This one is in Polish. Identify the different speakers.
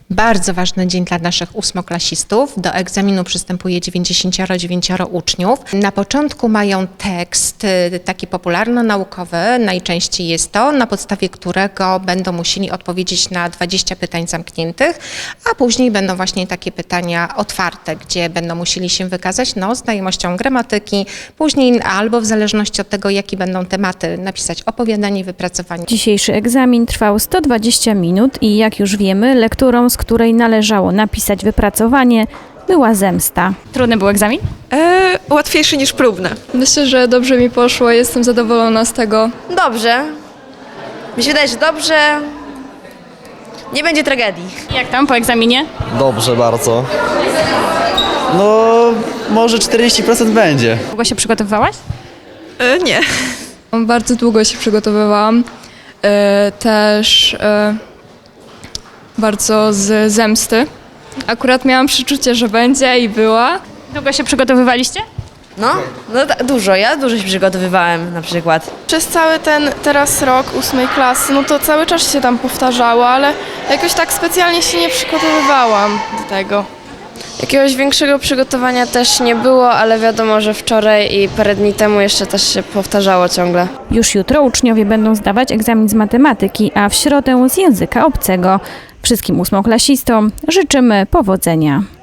Speaker 1: Bardzo ważny dzień dla naszych ósmoklasistów. Do egzaminu przystępuje 99 uczniów. Na początku mają tekst taki popularno-naukowy, najczęściej jest to, na podstawie którego będą musieli odpowiedzieć na 20 pytań zamkniętych, a później będą właśnie takie pytania otwarte, gdzie będą musieli się wykazać znajomością gramatyki, później albo w zależności od tego, jakie będą tematy, napisać opowiadanie, wypracowanie.
Speaker 2: Dzisiejszy egzamin trwał 120 minut i jak już wiemy, lekturą, z której należało napisać wypracowanie, była zemsta. Trudny był egzamin?
Speaker 3: Łatwiejszy niż próbne.
Speaker 4: Myślę, że dobrze mi poszło, jestem zadowolona z tego.
Speaker 5: Dobrze. Mi się wydaje, że dobrze. Nie będzie tragedii.
Speaker 2: Jak tam po egzaminie?
Speaker 6: Dobrze bardzo. No, może 40% będzie.
Speaker 2: Długo się przygotowywałaś?
Speaker 3: Nie.
Speaker 4: Bardzo długo się przygotowywałam. Też bardzo z zemsty. Akurat miałam przeczucie, że będzie i była.
Speaker 2: Długo się przygotowywaliście?
Speaker 5: Dużo. Ja dużo się przygotowywałem na przykład.
Speaker 7: Przez cały ten teraz rok 8 klasy, no to cały czas się tam powtarzało, ale jakoś tak specjalnie się nie przygotowywałam do tego.
Speaker 8: Jakiegoś większego przygotowania też nie było, ale wiadomo, że wczoraj i parę dni temu jeszcze też się powtarzało ciągle.
Speaker 2: Już jutro uczniowie będą zdawać egzamin z matematyki, a w środę z języka obcego. Wszystkim ósmoklasistom życzymy powodzenia.